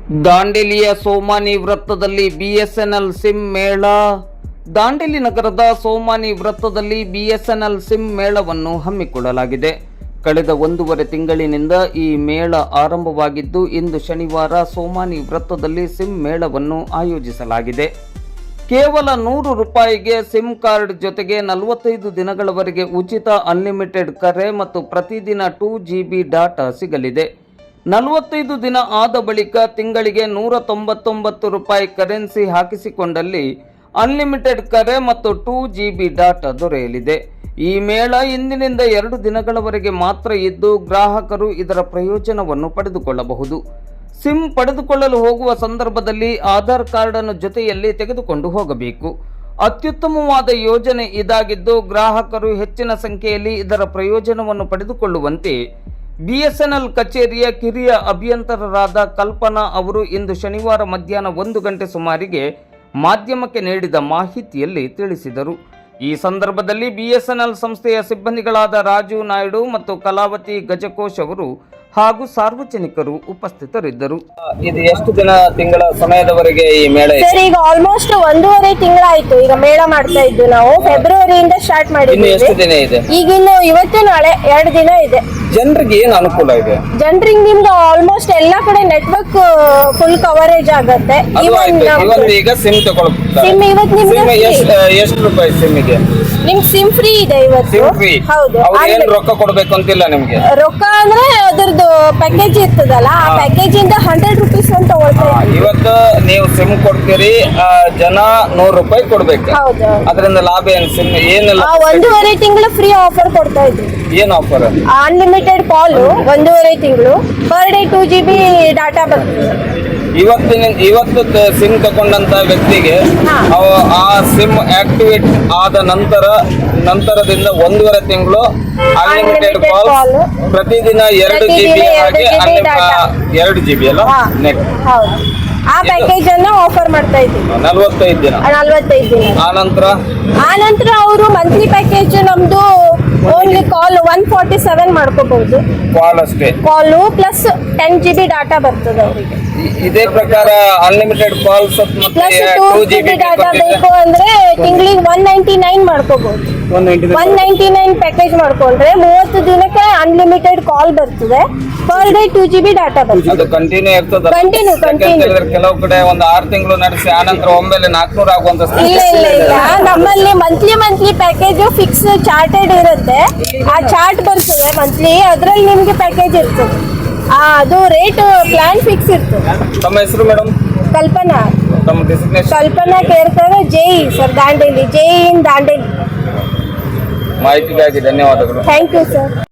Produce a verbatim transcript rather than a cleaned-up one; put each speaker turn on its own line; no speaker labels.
ದಾಂಡೇಲಿಯ ಸೋಮಾನಿ ವೃತ್ತದಲ್ಲಿ BSNL sim ಮೇಳ. ದಾಂಡೇಲಿ ನಗರದ ಸೋಮಾನಿ ವೃತ್ತದಲ್ಲಿ ಬಿಎಸ್ಎನ್ಎಲ್ ಸಿಮ್ ಮೇಳವನ್ನು ಹಮ್ಮಿಕೊಳ್ಳಲಾಗಿದೆ. ಕಳೆದ ಒಂದೂವರೆ ತಿಂಗಳಿನಿಂದ ಈ ಮೇಳ ಆರಂಭವಾಗಿದ್ದು, ಇಂದು ಶನಿವಾರ ಸೋಮಾನಿ ವೃತ್ತದಲ್ಲಿ ಸಿಮ್ ಮೇಳವನ್ನು ಆಯೋಜಿಸಲಾಗಿದೆ. ಕೇವಲ ನೂರು ರೂಪಾಯಿಗೆ ಸಿಮ್ ಕಾರ್ಡ್ ಜೊತೆಗೆ ನಲವತ್ತೈದು ದಿನಗಳವರೆಗೆ ಉಚಿತ ಅನ್ಲಿಮಿಟೆಡ್ ಕರೆ ಮತ್ತು ಪ್ರತಿದಿನ ಟೂ ಜಿಬಿ ಡಾಟಾ ಸಿಗಲಿದೆ. ನಲವತ್ತೈದು ದಿನ ಆದ ಬಳಿಕ ತಿಂಗಳಿಗೆ ನೂರ ತೊಂಬತ್ತೊಂಬತ್ತು ರೂಪಾಯಿ ಕರೆನ್ಸಿ ಹಾಕಿಸಿಕೊಂಡಲ್ಲಿ ಅನ್ಲಿಮಿಟೆಡ್ ಕರೆ ಮತ್ತು ಟೂ ಜಿಬಿ ಡಾಟಾ ದೊರೆಯಲಿದೆ. ಈ ಮೇಳ ಇಂದಿನಿಂದ ಎರಡು ದಿನಗಳವರೆಗೆ ಮಾತ್ರ ಇದ್ದು, ಗ್ರಾಹಕರು ಇದರ ಪ್ರಯೋಜನವನ್ನು ಪಡೆದುಕೊಳ್ಳಬಹುದು. ಸಿಮ್ ಪಡೆದುಕೊಳ್ಳಲು ಹೋಗುವ ಸಂದರ್ಭದಲ್ಲಿ ಆಧಾರ್ ಕಾರ್ಡ್ ಅನ್ನು ಜೊತೆಯಲ್ಲಿ ತೆಗೆದುಕೊಂಡು ಹೋಗಬೇಕು. ಅತ್ಯುತ್ತಮವಾದ ಯೋಜನೆ ಇದಾಗಿದ್ದು, ಗ್ರಾಹಕರು ಹೆಚ್ಚಿನ ಸಂಖ್ಯೆಯಲ್ಲಿ ಇದರ ಪ್ರಯೋಜನವನ್ನು ಪಡೆದುಕೊಳ್ಳುವಂತೆ ಬಿಎಸ್ಎನ್ಎಲ್ ಕಚೇರಿಯ ಕಿರಿಯ ಅಭಿಯಂತರರಾದ ಕಲ್ಪನಾ ಅವರು ಇಂದು ಶನಿವಾರ ಮಧ್ಯಾಹ್ನ ಒಂದು ಗಂಟೆ ಸುಮಾರಿಗೆ ಮಾಧ್ಯಮಕ್ಕೆ ನೀಡಿದ ಮಾಹಿತಿಯಲ್ಲಿ ತಿಳಿಸಿದರು. ಈ ಸಂದರ್ಭದಲ್ಲಿ ಬಿಎಸ್ಎನ್ಎಲ್ ಸಂಸ್ಥೆಯ ಸಿಬ್ಬಂದಿಗಳಾದ ರಾಜು ನಾಯ್ಡು ಮತ್ತು ಕಲಾವತಿ ಗಜಕೋಶ್ ಅವರು ಹಾಗೂ ಸಾರ್ವಜನಿಕರು ಉಪಸ್ಥಿತರಿದ್ದರು. ಇದು ಎಷ್ಟು ದಿನ ತಿಂಗಳ ಸಮಯದವರೆಗೆ ಈ ಮೇಳ ಇದೆ?
ಸರ್, ಈಗ ಆಲ್ಮೋಸ್ಟ್ ಒಂದೂವರೆ ತಿಂಗಳಾಯ್ತು ಈಗ ಮೇಳ ಮಾಡ್ತಾ ಇದ್ದು. ನಾವು ಫೆಬ್ರವರಿಯಿಂದ ಸ್ಟಾರ್ಟ್ ಮಾಡಿದ್ವಿ.
ಎಷ್ಟು ದಿನ ಇದೆ?
ಈಗಿನ್ನು ಇವತ್ತು ನಾಳೆ ಎರಡು ದಿನ ಇದೆ.
ಜನರಿಗೆ ಏನು ಅನುಕೂಲ ಇದೆ?
ಜನರಿಗೆ ನಿಮ್ಗೆ ಆಲ್ಮೋಸ್ಟ್ ಎಲ್ಲಾ ಕಡೆ ನೆಟ್ವರ್ಕ್ ಫುಲ್ ಕವರೇಜ್ ಆಗತ್ತೆ.
ಇವತ್ತು ಈಗ ಸಿಮ್ ತಗೊಳ್ತಾರೆ.
ಸಿಮ್ ಇವತ್ತು ನಿಮ್ಗೆ
ಎಷ್ಟು ರೂಪಾಯಿ ಸಿಮ್ಗೆ?
ನಿಮ್ಗೆ ಸಿಮ್ ಫ್ರೀ ಇದೆ ಇವತ್ತು.
SIM free?
ಹೌದು.
ಏನು ರೊಕ್ಕ ಕೊಡ್ಬೇಕು ಅಂತಿಲ್ಲ ನಿಮ್ಗೆ?
ರೊಕ್ಕ ಅಂದ್ರೆ ಅದರದ್ದು ಪ್ಯಾಕೇಜ್ ಇರ್ತದಲ್ಲ, ಆ ಪ್ಯಾಕೇಜ್ ಇಂದ ಹಂಡ್ರೆಡ್ ರುಪೀಸ್ ಅಂತ ತಗೊಳ್ತಾರೆ.
ಇವತ್ತು ನೀವು ಸಿಮ್ ಕೊಡ್ತೀರಿ, ಜನ ನೂರು ರೂಪಾಯಿ ಕೊಡ್ಬೇಕು.
ಹೌದು.
ಅದರಿಂದ ಲಾಭ ಏನು? ಸಿಮ್ ಏನೆಲ್ಲ
ಒಂದೂವರೆ ತಿಂಗಳು ಫ್ರೀ ಆಫರ್ ಕೊಡ್ತಾ ಇದ್ವಿ.
ಏನು ಆಫರ್?
ಅನ್ಲಿಮಿಟೆಡ್ ಕಾಲ್ ಒಂದೂವರೆ ತಿಂಗಳು, per day two G B data ಬರ್ತದೆ.
ಇವತ್ತಿನ ಇವತ್ತು ಸಿಮ್ ತಗೊಂಡಂತ ವ್ಯಕ್ತಿಗೆ ಆ ಸಿಮ್ ಆಕ್ಟಿವೇಟ್ ಆದ ನಂತರ ನಂತರದಿಂದ ಒಂದೂವರೆ ತಿಂಗಳು ಅನ್ಲಿಮಿಟೆಡ್ ಕಾಲ್, ಪ್ರತಿದಿನ ಎರಡು ಜಿಬಿ ಹಾಗೆ ಎರಡು ಜಿಬಿ ಅಲ್ಲ ನೆಟ್.
ಹೌದು, ಆ ಪ್ಯಾಕೇಜ್ ಅನ್ನ ಆಫರ್ ಮಾಡ್ತಾ ಇದ್ದೀವಿ.
ನಲವತ್ತೈದು ದಿನ
ನಲವತ್ತೈದು ದಿನ
ಆ ನಂತರ
ಆ ನಂತರ ಅವರು ಮಂತ್ಲಿ ಪ್ಯಾಕೇಜ್ ನಮ್ದು only call one forty seven ಮಾಡ್ಕೋಬಹುದು.
ಕಾಲ್ ಅಷ್ಟೇ,
call plus ten GB data ಬರ್ತದೆ ಅವರಿಗೆ.
ಇದೇ ಪ್ರಕಾರ unlimited calls
plus two GB data ಬೇಕು ಅಂದ್ರೆ ತಿಂಗಳಿಗೆ ಒನ್ ನೈಂಟಿ ನೈನ್ ಮಾಡ್ಕೋಬಹುದು. ಒನ್ ನೈಂಟಿ ನೈನ್ ಪ್ಯಾಕೇಜ್ ಮಾಡ್ಕೊಂಡ್ರೆ ಮೂವತ್ತು ದಿನಕ್ಕೆ ಅನ್ಲಿಮಿಟೆಡ್ ಕಾಲ್ ಬರ್ತದೆ, per day two GB data ಬರ್ತದೆ.
ಅದು ಕಂಟಿನ್ಯೂ ಇರ್ತದೆ.
ಕಂಟಿನ್ಯೂ ಕಂಟಿನ್ಯೂ
ಕೆಲವು ಕಡೆ ಒಂದು ಆರು ತಿಂಗಳು ನಡೆಸಿ ಆನಂತರ ಒಮ್ಮೆಲೆ ನಾಲ್ಕುನೂರ ಆಗುವಂತ.
ಇಲ್ಲ ಇಲ್ಲ ಇಲ್ಲ, ನಮ್ಮಲ್ಲಿ monthly monthly package fix charted ಇರುತ್ತೆ. ಆ ಚಾರ್ಟ್ ಬರ್ತದೆ ಮಂತ್ಲಿ, ಅದ್ರಲ್ಲಿ ನಿಮ್ಗೆ ಪ್ಯಾಕೇಜ್ ಇರ್ತದೆ. ಅದು ರೇಟ್ ಪ್ಲಾನ್ ಫಿಕ್ಸ್ ಇರ್ತದೆ.
ತಮ್ಮ ಹೆಸರು ಮೇಡಮ್?
ಕಲ್ಪನಾ.
ತಮ್ಮ ಡೆಸಿಗ್ನೇಷನ್?
ಕಲ್ಪನಾ ಕೇರ್ಕರ್, ಜೈ ಸರ್, ದಾಂಡೇಲಿ, ಜೈ ಇನ್ ದಾಂಡೇಲಿ.
ಮಾಹಿತಿಗಾಗಿ ಧನ್ಯವಾದಗಳು.
Thank you sir.